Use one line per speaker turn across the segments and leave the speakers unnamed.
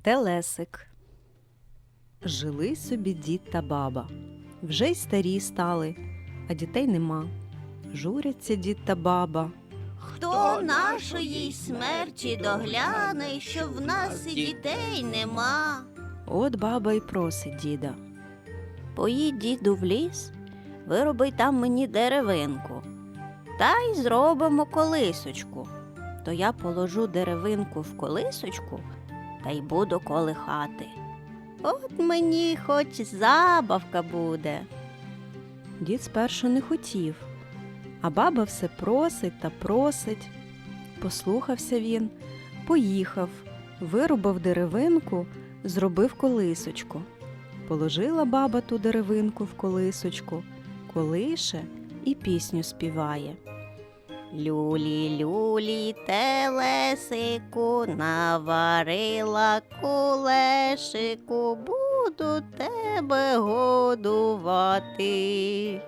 Телесик. Жили собі дід та баба. Вже й старі стали, а дітей нема. Журяться дід та баба.
Хто нашої смерті догляне, що в нас і дітей нема?
От баба й просить діда.
Поїдь, діду, в ліс, вироби там мені деревинку, та й зробимо колисочку. То я положу деревинку в колисочку та й буду колихати. От мені хоч забавка буде.
Дід спершу не хотів, а баба все просить та просить. Послухався він, поїхав, вирубав деревинку, зробив колисочку. Положила баба ту деревинку в колисочку, колише і пісню співає.
Люлі, люлі, телесику, наварила кулешику, буду тебе годувати.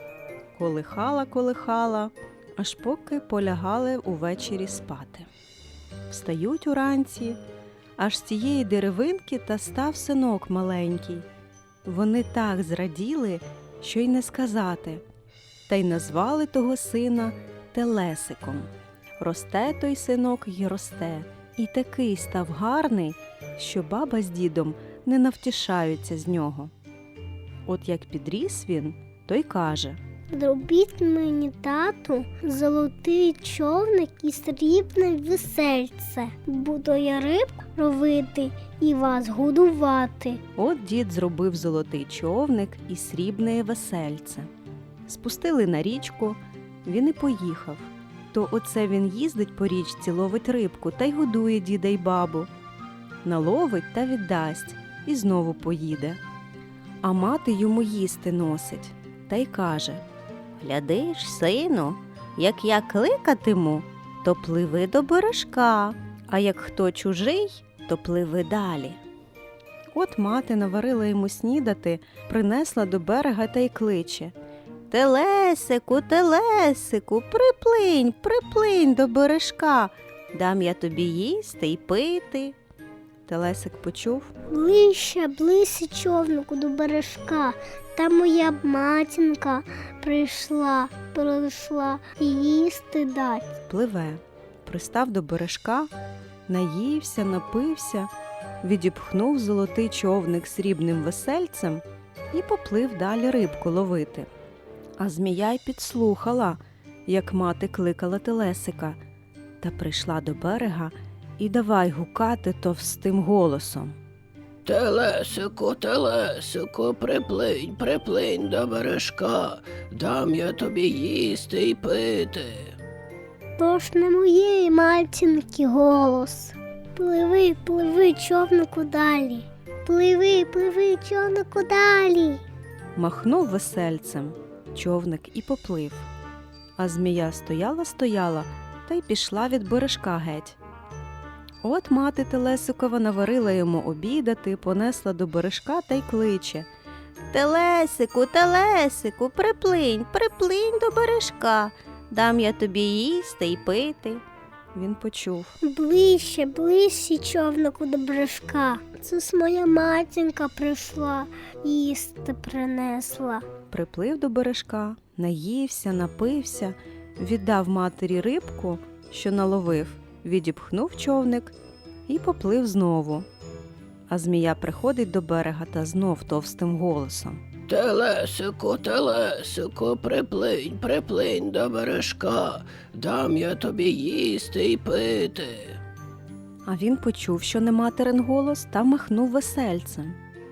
Колихала, аж поки полягали увечері спати. Встають уранці, аж з тієї деревинки та став синок маленький. Вони так зраділи, що й не сказати, та й назвали того сина Телесиком. Росте той синок й росте, і такий став гарний, що баба з дідом не навтішаються з нього. От як підріс він, то й каже:
Зробіть мені, тату, золотий човник і срібне весельце. Буду я рибку ловити і вас годувати.
От дід зробив золотий човник і срібне весельце. Спустили на річку, він і поїхав. То оце він їздить по річці, ловить рибку та й годує діда й бабу. Наловить та віддасть, і знову поїде. А мати йому їсти носить та й каже:
Глядиш, сину, як я кликатиму, то пливи до бережка, а як хто чужий, то пливи далі.
От мати наварила йому снідати, принесла до берега та й кличе:
Телесику, телесику, приплинь, приплинь до бережка, дам я тобі їсти й пити.
Телесик почув,
Ближче, ближче човнику до бережка. Та моя матінка прийшла і їсти дать.
пливе, пристав до бережка, наївся, напився, відіпхнув золотий човник срібним весельцем і поплив далі рибку ловити. А змія й підслухала, як мати кликала Телесика, та прийшла до берега і давай гукати товстим голосом.
Телесику, телесику, приплинь, приплинь до бережка, дам я тобі їсти й пити.
То ж не моєї матінки голос. Пливи, пливи, човнику далі. Пливи, пливи, човнику далі.
Махнув весельцем, човник і поплив. А змія стояла та й пішла від бережка геть. От мати Телесикова наварила йому обідати, понесла до бережка та й кличе:
Телесику, телесику, приплинь, приплинь до бережка, дам я тобі їсти й пити.
Він почув,
Ближче, ближче, човнику до бережка. Це ж моя матінка прийшла, їсти принесла.
приплив до бережка, наївся, напився, віддав матері рибку, що наловив, відіпхнув човник і поплив знову. А змія приходить до берега та знов товстим голосом:
Телесику, телесику, приплинь, приплинь до бережка, дам я тобі їсти й пити.
А він почув, що не материн голос, та махнув весельцем.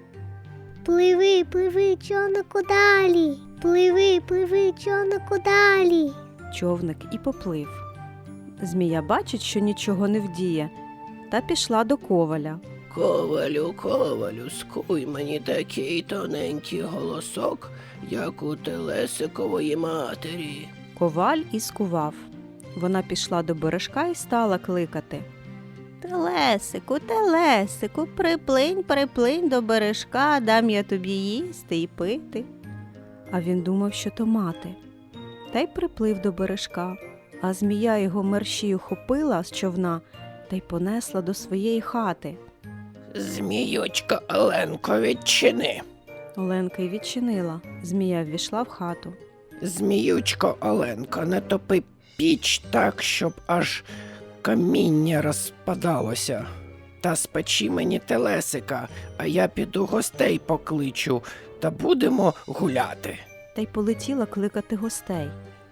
Пливи, пливи, човнику далі. Пливи, пливи, човнику далі.
Човник і поплив. Змія бачить, що нічого не вдіє, та пішла до коваля.
Ковалю, ковалю, скуй мені такий тоненький голосок, як у телесикової матері.
Коваль і скував. Вона пішла до бережка і стала кликати:
Телесику, телесику, приплинь, приплинь до бережка, дам я тобі їсти й пити.
А він думав, що то мати. Та й приплив до бережка, а змія його мерщій ухопила з човна та й понесла до своєї хати.
Зміючко Оленко, відчини.
Оленка й відчинила. Змія ввійшла в хату.
Зміючко Оленко, не топи піч так, щоб аж каміння розпадалося. Та спечи мені телесика, а я піду гостей покличу, та будемо гуляти.
Та й полетіла кликати гостей.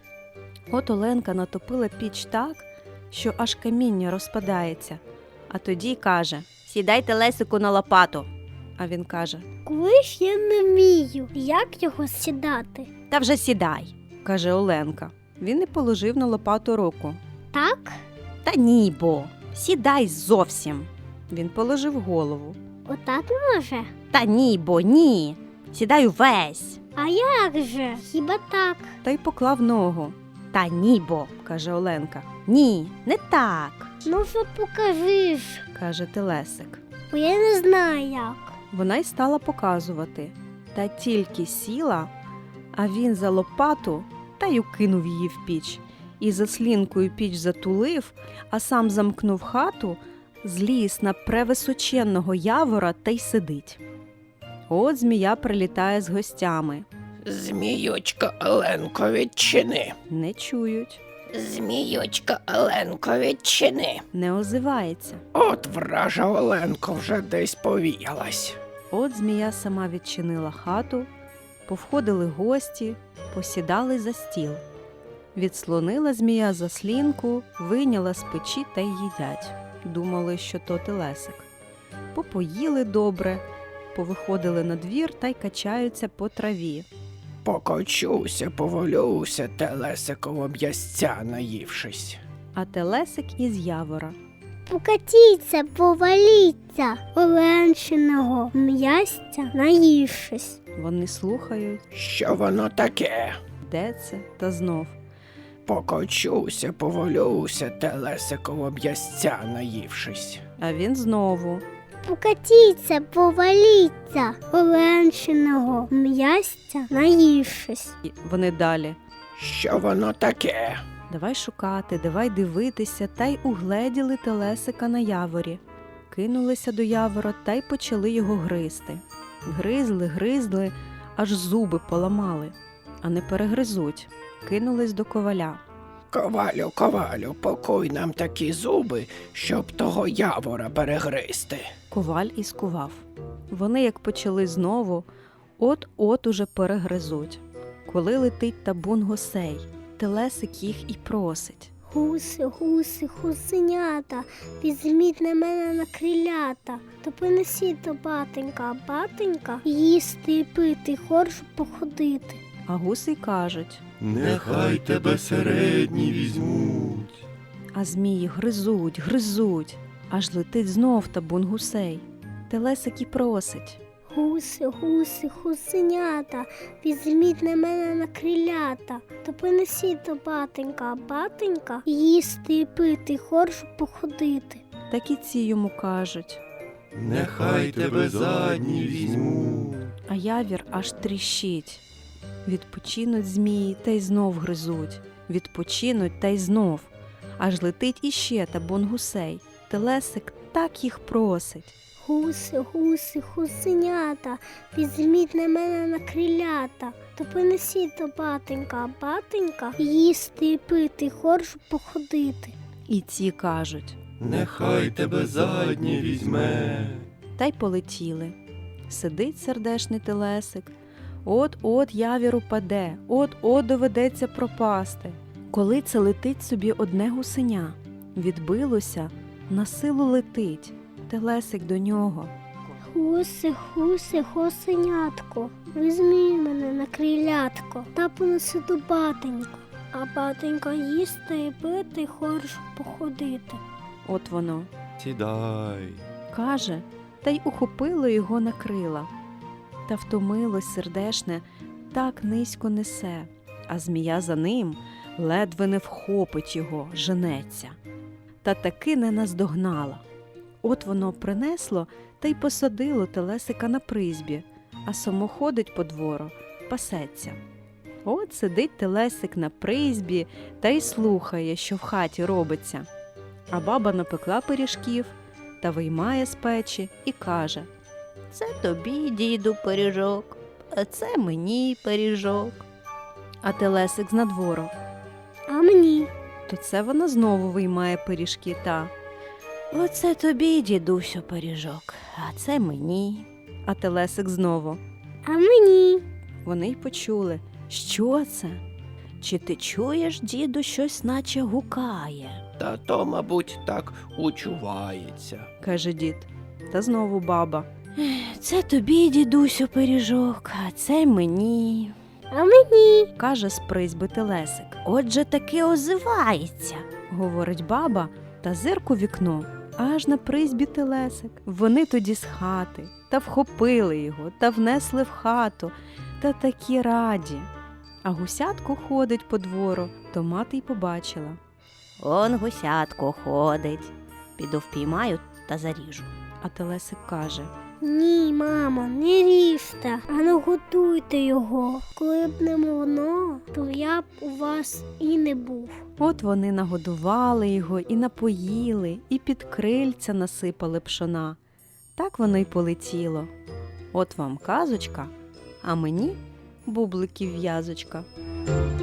От Оленка натопила піч так, що аж каміння розпадається. А тоді каже:
Сідайте Лесику на лопату.
а він каже:
Коли ж я не вмію, як його сідати?
Та вже сідай.
каже Оленка. Він і положив на лопату руку.
Так?
Та ні, бо. Сідай зовсім.
Він положив голову.
Отак може?
Та ні, бо ні. Сідай увесь.
А як же? Хіба так?
Та й поклав ногу,
Та ні, бо.
каже Оленка.
Ні, не так.
Ну вже покажи ж,
Каже Телесик.
бо я не знаю як.
Вона й стала показувати. Та тільки сіла, а він за лопату та й укинув її в піч. І заслінкою піч затулив, а сам замкнув хату, зліз на превисоченного явора та й сидить. От змія прилітає з гостями.
Зміючко Оленко, відчини.
Не чують,
Зміючко Оленко, відчини.
не озивається.
От вража Оленко вже десь повіялась.
От змія сама відчинила хату, повходили гості, посідали за стіл. Відслонила змія заслінку, вийняла з печі та й їдять. Думали, що то телесик. Попоїли добре, повиходили на двір та й качаються по траві.
Покочуся, поволюся, телесиково м'ясця наївшись.
А телесик із явора.
Покатіться, поваліться, Оленчиного м'ястя наївшись.
Вони слухають,
Що воно таке?
де це, та знов.
Покочуся, поволюся, телесиково м'ясця наївшись.
А він знову.
Покатіться, поваліться, Оленчиного м'ястя наївшись.
І вони далі.
Що воно таке?
Давай шукати, давай дивитися, та й угледіли телесика на яворі. Кинулися до явора та й почали його гризти. Гризли, аж зуби поламали, а не перегризуть. Кинулись до коваля.
Ковалю, покуй нам такі зуби, щоб того явора перегризти.
Коваль і скував. Вони, як почали знову, от-от уже перегризуть. Коли летить табун гусей, телесик їх і просить.
Гуси, гуси, гусенята, візьміть на мене на крилята, то понесіть до батенька, а батенька їсти і пити, хорш походити.
А гуси й кажуть,
Нехай тебе середні візьмуть.
а змії гризуть, аж летить знов табун гусей. Телесик і просить.
Гуси, гуси, гусенята, візьміть на мене на крилята, то понесіть до батенька, а батенька їсти і пити, хорш походити.
Так і ці йому кажуть,
Нехай тебе задні візьмуть.
а явір аж тріщить. Відпочинуть змії та й знов гризуть, відпочинуть та й знов. Аж летить іще табун гусей. Телесик так їх просить.
Гуси, гуси, гусенята, візьміть на мене на крилята, то понесіть до батенька, а батенька їсти і пити, хорш походити.
І ці кажуть,
Нехай тебе задні візьме.
та й полетіли. Сидить сердешний телесик, от-от явір упаде, от-от доведеться пропасти. Коли це летить собі одне гусеня, відбилося, на силу летить, телесик до нього.
Гуси, гуси, гусенятко, візьміть мене на крилятко та понеси до батенька, а батенька їсти і пити, хорш походити.
От воно.
Сідай.
Каже, та й ухопило його на крила. Та втомилось сердешне, так низько несе, а змія за ним ледве не вхопить його, женеться. Та таки не наздогнала. От воно принесло та й посадило телесика на призбі, а само ходить по двору, пасеться. От сидить телесик на призбі та й слухає, що в хаті робиться. А баба напекла пиріжків, та виймає з печі і каже:
Це тобі, діду, пиріжок, а це мені пиріжок.
а телесик знадвору.
А мені?
То це вона знову виймає пиріжки та,
Оце тобі, дідусю, пиріжок, а це мені.
а телесик знову.
А мені?
Вони й почули, що це?
Чи ти чуєш, діду, щось наче гукає?
Та то, мабуть, так учувається.
Каже дід. Та знову баба.
Це тобі, дідусю, пиріжок, а це мені.
А мені?
Каже з призьби телесик.
Отже, таки озивається.
Говорить баба та зирк у вікно. Аж на призьбі телесик. Вони тоді з хати та вхопили його та внесли в хату, та такі раді. А гусятко ходить по двору, то мати й побачила.
Он гусятко ходить. Піду впіймаю та заріжу.
А телесик каже:
Ні, мамо, не ріжте, а не готуйте його. Коли б не воно, то я б у вас і не був.
от вони нагодували його і напоїли, і під крильця насипали пшона. Так воно й полетіло. От вам казочка, а мені бубликів в'язочка.